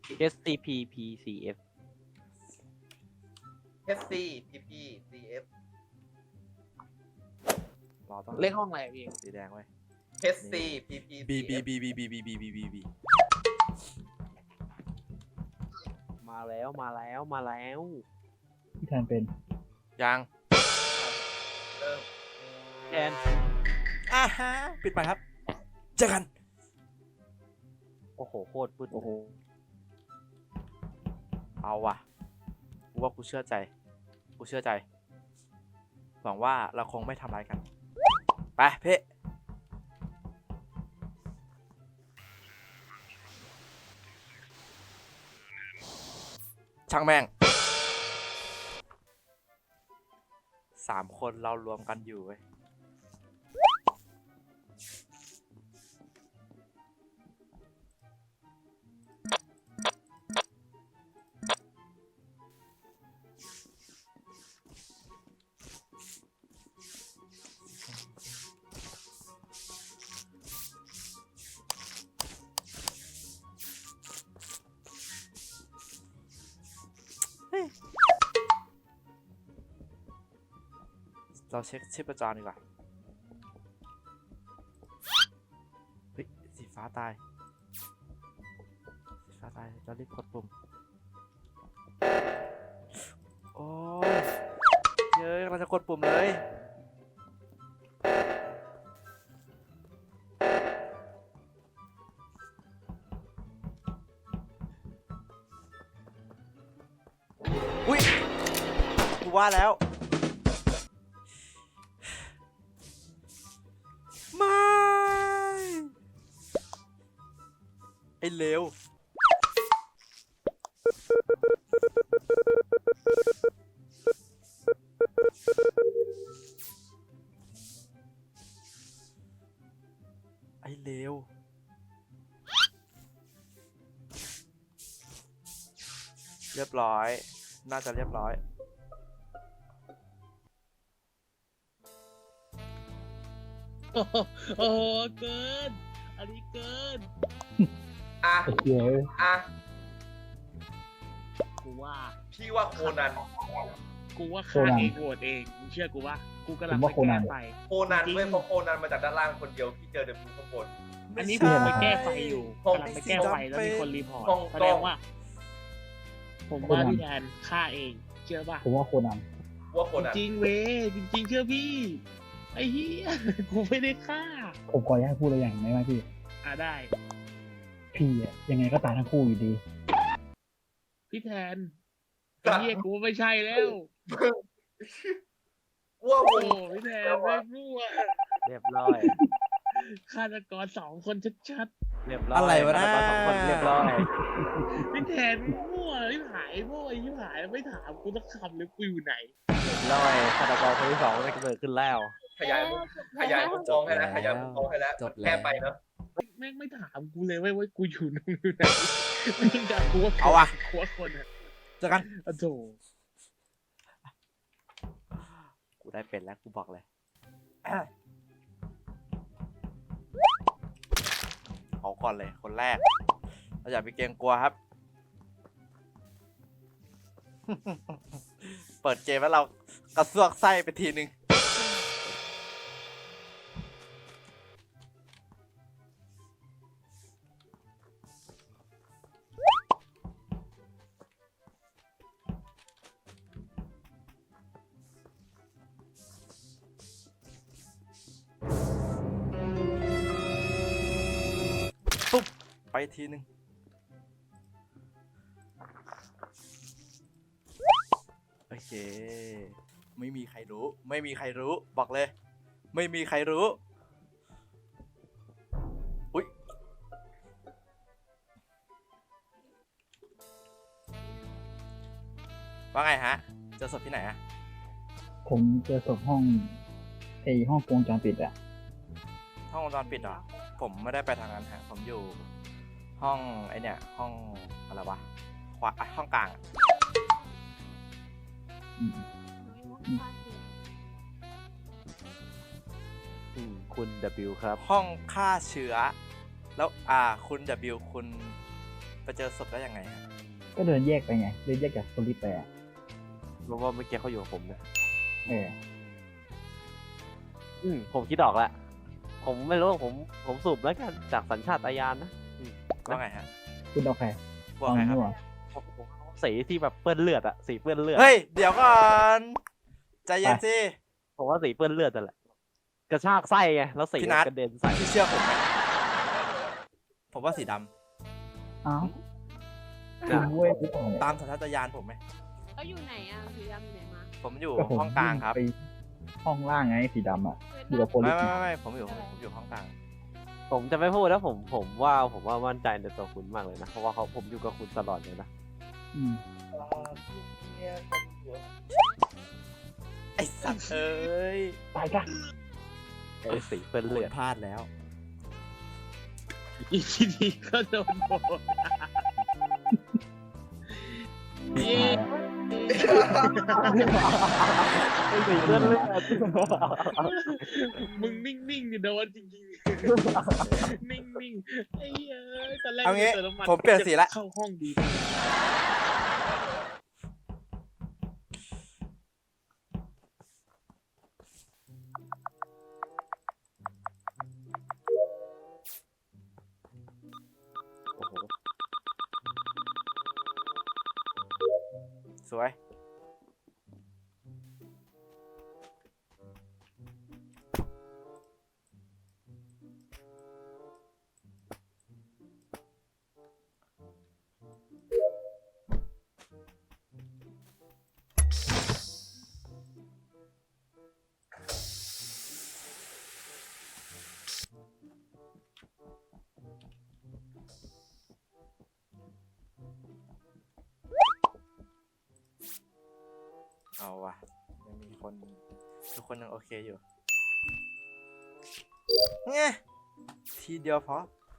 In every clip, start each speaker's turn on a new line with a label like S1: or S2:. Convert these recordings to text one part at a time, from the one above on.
S1: SCP-PCF
S2: HCPPCF
S3: เราต้อง
S1: เลขห้องอะไรพี่
S3: สีแดงไว้
S2: HCPPCF
S3: B B B B B B B B B B
S1: มาแล้ว
S4: พี่แทนเป็น
S3: ยัง
S2: เริ่ม
S1: แทน
S3: ฮะปิดไปครับเจอกัน
S1: โอ้โหโคตรปืด
S4: โอ้โห
S3: เอาว่ะกูว่ากูเชื่อใจหวังว่าเราคงไม่ทำร้ายกันไปเพ่ช่างแม่ง3 คนเรารวมกันอยู่เว้ยเราเช็คชีพจรดีกว่าเฮ้ยสีฟ้าตายเรารีบกดปุ่มโอ้ยเย้ยเราจะกดปุ่มเลยอุ้ยกูว่าแล้วไม่ไอ้เลวไอ้เลวเรียบร้อยน่าจะเรียบร้อย
S5: โอ้โหเกิน อันนี้เกิน
S2: อ่ะ
S4: ไอ้เหี้ยเอ้ย
S2: อ่ะ
S5: กูว่า
S2: พี่ว่าโคนัน
S5: ฆ่าเองโหวตเองมึงเชื่อกูว่ากูกำลังไปแก้ไฟ
S2: โคนันเว้ยเพราะโคนันมาจากด้านล่างคนเดียวพี่เจอเดบิวข้างบน
S5: อันนี้ผมไปแก้ไฟอยู่กำลังไปแก้ไฟแล้วมีคนรีพอร์ต
S2: ห้อง
S5: แสดงว่า ผมว่าพี่แทนฆ่าเอง เชื่อป่ะ
S4: ผมว่าโคนัน
S2: ว่าโคนัน
S5: จริงเว้ยจริงๆเชื่อพี่ ไอ้เหี้ย กูไม่ได้ฆ่า
S4: ผมขออนุญาตพูดอะไรอย่างได้ไหมพี่
S5: ได้
S4: พี่อะยังไงก็ตายทั้งคู่อยู่ดี
S5: พี่แทนไอ้เหี้ยกูไม่ใช่แล้ว
S2: ว่า
S5: โอ้
S2: วง
S5: พี่แทนไม่รู้อ่ะ
S1: เรียบร้อย
S5: ฆาตกร2 คนชัด
S1: เรียบร้อย
S3: อะไรวะนะ
S1: ฆาตกร2 คนเรียบร้อย
S5: ๆพี่แทนมั่วไม่หายมั่วไอ้ที่หายไม่ถามกูต้องคำเลยกูอยู่ไหน
S1: เรียบร้อยฆาตกรคนที่ 2ได้เกิดขึ้นแล้ว
S2: ขยายมุมมองให้แล้วแค่ไปเนาะ
S5: แม่งไม่ถามกูเลยเว้ยว่ากูอยู่นู่นอยู่ไหนไม่ถามกูว่า
S3: เอาว่ะ
S5: กูว่าคนอ่ะ
S3: เจอกัน
S5: โอ้โถ
S3: กูได้เป็นแล้วกูบอกเลยเอาก่อนเลยคนแรกเราอย่าไปเกรงกลัวครับ เปิดเกมแล้วเรากระซวกไส้ไปทีนึงปุ๊บไปทีนึงโอเคไม่มีใครรู้บอกเลยไม่มีใครรู้อุ๊ยว่าไงฮะเจอศพที่ไหนอะ
S4: ผมเจอศพห้องห้องวงจรปิดอะ
S3: ห้องวงจรปิดเหรอผมไม่ได้ไปทางนั้นฮะผมอยู่ห้องไอเนี่ยห้องอะไรวะขวาห้องกลางอะ
S4: อืม
S1: คุณ W ครับ
S3: ห้องฆ่าเชื้อแล้วคุณ W คุณไปเจอศพได้ยังไงฮะ
S4: ก็เดินแยกไปไงเดินแยกจากคนที่แปด
S1: เพราะว่าเมื่อกี้เขาอยู่กับผมนะ
S4: เออ
S1: ผมคิดออกแล้วผมไม่รู้ผมสูบแล้วกันจากสัญชาตญาณนะ
S3: ว่าไงฮะ
S4: คุณเอาใคร
S3: ว่าไงครับ
S4: มั่ว
S1: ผมสีที่แบบเปื้อนเลือดอะสีเปื้อนเลือด
S3: เฮ้ยเดี๋ยวก่อนใจเย็นสิ
S1: ผมว่าสีเปื้อนเลือดนั่นแหละกระชากไส้ไงแล้วสี
S3: พี่นัท
S1: กระเด็นใส่
S3: พี่เชื่อผมไหมผมว่าสีดำ
S4: อ้าวคุณเว้ยที่ตรงไหน
S3: ตามสัญชาตญาณผมไหม
S6: แล้วอยู่ไหนอ่ะสีดำอยู่ไหนมา
S3: ผมอยู่
S4: ก็ผม
S3: ห้องกลางครับ
S4: ไปห้องล่างไงสีดำอ่ะอยู่กับโพลิ
S3: ไม่
S4: ส
S3: ไม่ผมอยู่ห้องกลาง
S1: ผมจะไม่พูดแล้วผมว่ามั่นใจในตัวคุณมากเลยนะเพราะว่าผมอยู่กับคุณตลอดเลยนะ
S4: อืม
S3: ไอ้สัตว์เอ้ย
S4: ไปจ้ะ
S1: ไอ้สีเปื้อน
S3: คุ
S1: เลื
S3: ณ
S1: อด
S3: พลาดแล้ว
S5: อีกทีนี้ก็โดนโดนเย้
S1: ไอ้สีเปื้อนเลือด
S5: มึงนิ่งๆเนี่ยโดนจริงๆนิ่งๆไอ้เอ้ยตอนแรก
S3: เอางี้
S5: ติน้ำน
S3: ผมเปลี่ยนสีละ
S5: เข้าห้องดี
S1: โอ้โห
S3: สวยเอาวะยังมีคนทุกคนยังโอเคอยู่ไงทีเดียวพอ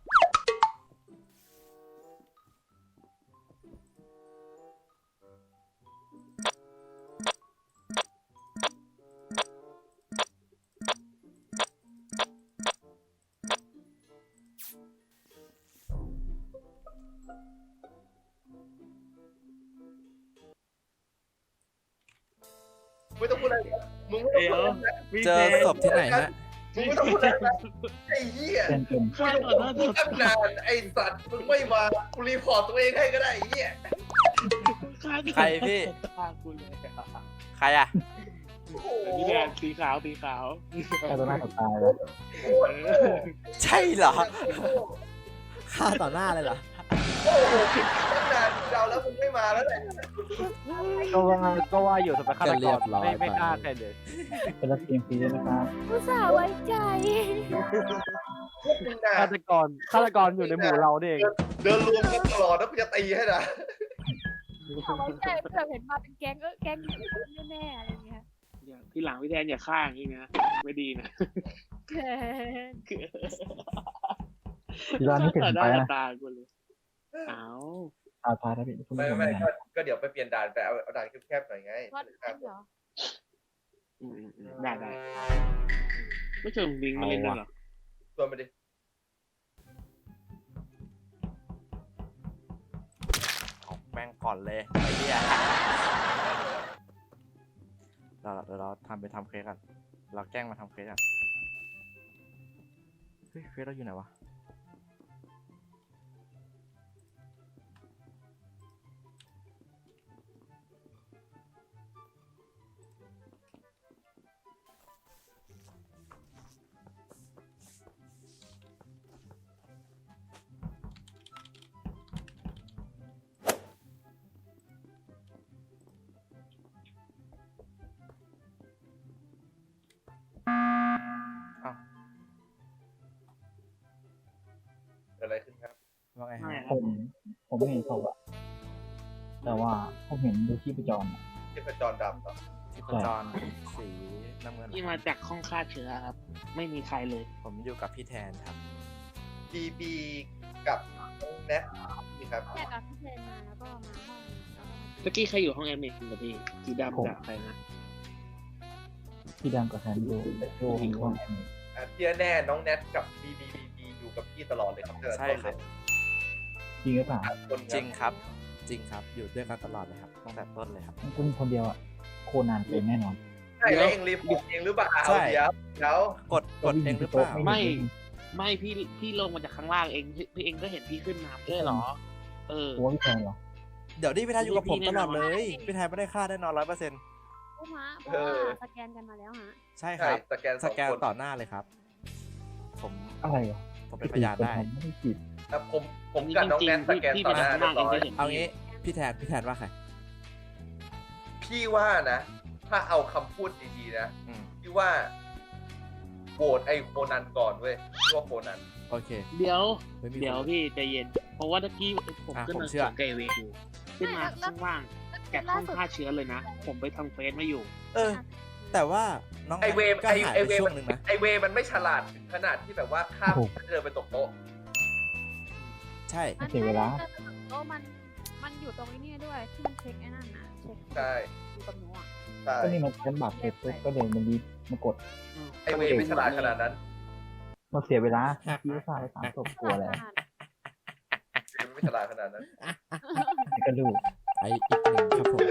S2: ไม่ต้องพูดอะไรมึงไม่ต้องพูดอะไร
S3: เจอศพที่ไหนฮะ
S2: มึงไม่ต้องพูดอะไรนะไอ้เหี้ย
S4: เป็น
S5: ฆ่าต่อหน้าต่อ
S2: ตั้ง
S5: ตาน
S2: านไอ้สัตว์มึงไม่มากูรีพอร์ตตัวเองให้ก็ได้ไอ้เหี้ย
S5: ฆ่าต่อ
S3: ใครพี่
S5: ฆ่ากูเลย
S3: ใครอ่ะ
S2: โอ้โห
S5: นี่แดงสีขาวสีขาว
S4: แค่ตัวหน้าต่อตาเลย
S3: ใช่เหรอฆ่าต่อหน้าเลยเหรอ
S2: โอ้โหตั้งนานเดาแล้วมึงไม่มาแล้วแหละ
S1: ก็ว่าอยู่ทำไมฆาต
S3: ก็
S1: ก
S3: เรีย
S1: ร
S3: บร้อย
S1: ไม่
S3: ไป
S1: กล้าใครเลย
S4: เป็นรับเกมฟรีด้วยนะครับ
S6: อุตส่าห์ไว้ใจ
S2: พวกมึงนาน
S1: ฆาตกรอยู่ในหมู่เราเนี่ยเอง
S2: เดินรวมกันตลอดแล้วกูจะตีให้นะ
S6: อุตส่าห์ไว้ใจเผื่อเห็นมาเป็นแก๊งแก๊งแน่ๆอะไรเงี้ย
S5: ที่หลังพี่แทนอย่าฆ่าอย่างนี้นะไม่ดีนะ
S4: ทีร้านนี้เปลี่ยนไป
S5: ต่อห
S4: นะ
S5: ตากูเลยอ้าว
S4: อาพาร์ตพี่คุณ
S2: ไม่
S4: ผู้ชม
S2: ไม่
S4: นะ
S2: ก็เดี๋ยวไปเปลี่ยนด่านไปเอาด่านแคบๆหน่อยไง
S6: วัดเอ็นเหรอ
S5: ได้ไม่เชิงบิงมาเล่นด้วยเหรอ
S2: ชวนไปดิ
S3: เอาแม่งก่อนเลยไอ้เหี้ยเราทำเควสกันเราแกล้งมาทำเควสกันเฮ้ยเควสเราอยู่ไหนวะอ้าว
S2: เกิดอะไรขึ้นครับ
S3: ว่าไงฮะ
S4: ผมไม่เห็นศพอะแต่ว่าผมเห็นดูที่ประจรอะ
S2: ที่เป็นจรดำเหรอ
S3: ที่ประจรสีน้ำเงิน
S5: ที่มาจากห้องฆ่าเชื้อครับ ไม่มีใครเลย
S3: ผมอยู่กับพี่แทนครับ
S2: บีกับน้องแนทนี่ครับ
S6: แค่ตอนที่เดินมาแล้วก็มาห้องแล้วก็มา
S5: เมื่อกี้ใครอยู่ห้องแอดมินกับพี่สีดำกับใครนะ
S4: ที่ดังกับแทนดูดูหิงห้องแอม
S2: ที่แน่น้องแนทกับบีอยู่กับพี่ตลอดเลยครับ
S3: ใช่ครับ
S2: ต
S4: จริงหรือเปล่า
S2: คน
S3: จริงครับ จริงครับ อยู่ด้วยกันตลอดเลยครับตั้งแต่ต้นเลยครับ
S4: คุณคนเดียวอะโคนันเป็นแน่นอน
S2: ใช่แล้วเองรีบบอกเองหรือเปล่า
S3: ใช่
S2: เดี๋ยว
S3: กดเองหรือเปล่า
S5: ไม่พี่ลงมาจากข้างล่างเองพี่เองก็เห็นพี่ขึ้นมาไม่ใช่เหรอ เออ
S4: หัวพี่แทนเหรอ
S3: เดี๋ยวนี่พี่แทนอยู่กับผมตลอดเลยพี่แทนไม่ได้ฆ่าแน่นอน100%
S6: ผู้ฮะเพราะว่าสแกนกันมาแล้วฮะ
S3: ใช่ค
S2: ใช่
S3: รับ
S2: สแกน
S3: สแกน
S2: 2 คน
S3: ต่อหน้าเลยครับ ผม
S4: อะไรวะ
S3: ผมเป็นพยานได้
S4: ไม่ได้ผิด
S2: ครับผมกับน้องแนทสแกนต่อหน้าเรียบร้อย
S3: เอางี้พี่แทนว่าใคร
S2: พี่ว่านะ ถ้าเอาคำพูดดีๆนะ
S3: อืม
S2: พี่ว่าโหวตไอโคนันก่อนเว้ยพี่ว่าโคนัน
S3: โอเค
S5: เดี๋ยว
S3: ไม่มี
S5: เดี๋ยว
S3: คน
S5: พี่ใจเย็น เพราะว่าตะกี้ผม
S3: อ่ะ
S5: ขึ้น
S3: ผม
S5: มา
S3: เชื่อ
S5: เกเวอยู่ขึ้นมาข้างล่างแกะห้องฆ่าเชื้อเลยนะ ผมไปทำเฟซมาอยู่
S3: เออ แต่ว่าน้อง
S2: ไอเวฟ
S3: ก็หาย
S2: ไอ
S3: ไป
S2: เวฟ
S3: ช่วงหนึ่งนะ
S2: ไอเวมันไม่ฉลาดถึงขนาดที่แบบว่าข้ามเดินไปตกโต๊ะ
S3: ใช่
S4: เสียเวลา
S6: โอ้มันอยู่ตรงนี้เนี่ยด้วยที่มันเช็คไอ้นั่นนะเช็ค
S2: ใช่
S6: อยู่กับหนูอ่ะ
S2: ใช่
S4: ก็นี่มันเป็นบัตรเสร็จปุ๊บก็เดินมันดีมากด
S2: ไอเวไม่ฉลาดขนาดนั้น
S4: มาเสียเวลาพี่ก็สร้างไป3 ศพกลัวแล้ว
S2: เวไม่ฉลาดขนาดนั้น
S4: ก็รู้
S3: ไออีกหนึ่งครับผม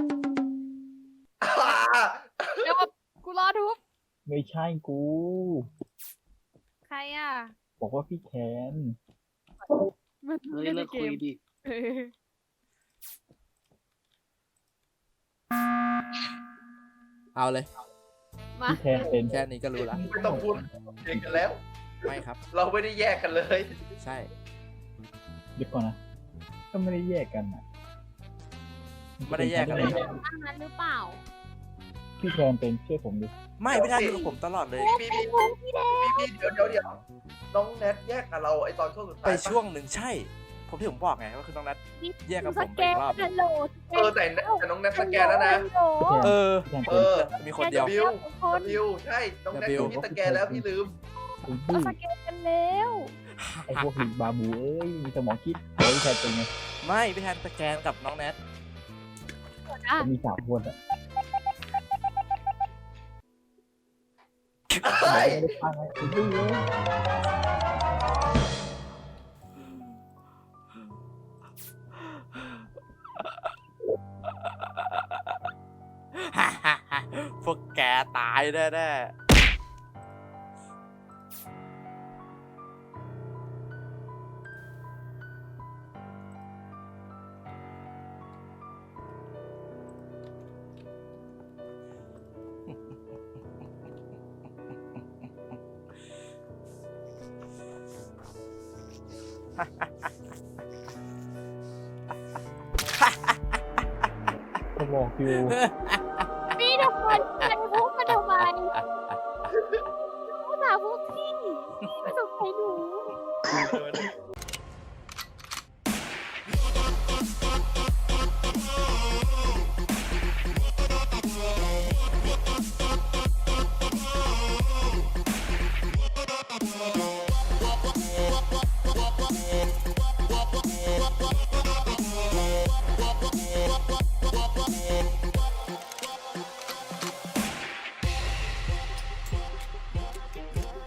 S6: เดี๋ยวกูรอทุบ
S4: ไม่ใช่กู
S6: ใครอ่ะ
S4: บอกว่าพี่แคน
S6: มัน
S5: เฮ้ย
S6: เล่นใน
S5: เลิก
S6: เก
S5: คุย
S6: ม
S5: ดิ
S6: เออ
S3: เอาเลย
S6: มา
S4: พี่แคนเป็น
S3: แค่นี้ก็รู้ละ
S2: ไม่ต้องพูดเองกันแล้ว
S3: ไม่ครับ
S2: เราไม่ได้แยกกันเลย
S3: ใช่
S4: เดี๋ยวก่อนนะก็ไม่ได้แยกกันนะ
S3: ไม่ได้แยกกันเลย
S6: ตั้งนั้นหรือเปล่า
S4: พี่แคนเป็นเชื่อผมดิ
S3: ไม่พี่แทนอยู่กับผมตลอดเลย
S2: พี่เดี๋ยวน้องแนทแยกกับเราไอตอนช่วงสุดท้าย
S3: ไปช่วงหนึ่งใช่ ผมที่ผมบอกไงว่าคือน้องนัท แยกกับผมไปอีกรอบ
S6: ฮัลโหล
S2: แต่น้องแนทสแกนแล้วนะ
S4: พี่แคน
S3: เออ
S4: พี่แคน
S2: เอ
S4: เป็น
S2: อ
S3: มีคนเดียว
S2: บิวใช่น้องแนทพี่สแกนแล้วพี่ลืม
S4: ไอ้
S6: เรา
S4: บื้อ
S6: สแกนกันแล้ว
S4: ไอ้พวกหินบาบูเอ้ยมีสมองคิดเฮ้ยพี่แคนเป็นไง
S3: ไม่พี่แทนสแกนกับน้องแนท
S6: อ่ะ
S4: จะมี3 คนอะ
S2: ใช่
S4: ไม่ได้ฟังไอ้บื้อเลย
S3: พวกแกตายแน่
S4: ก็บอกอยู่
S6: พี่ทำไมใครพูดมาทำไมพูดหาพวกพี่ไม่สนใจหนู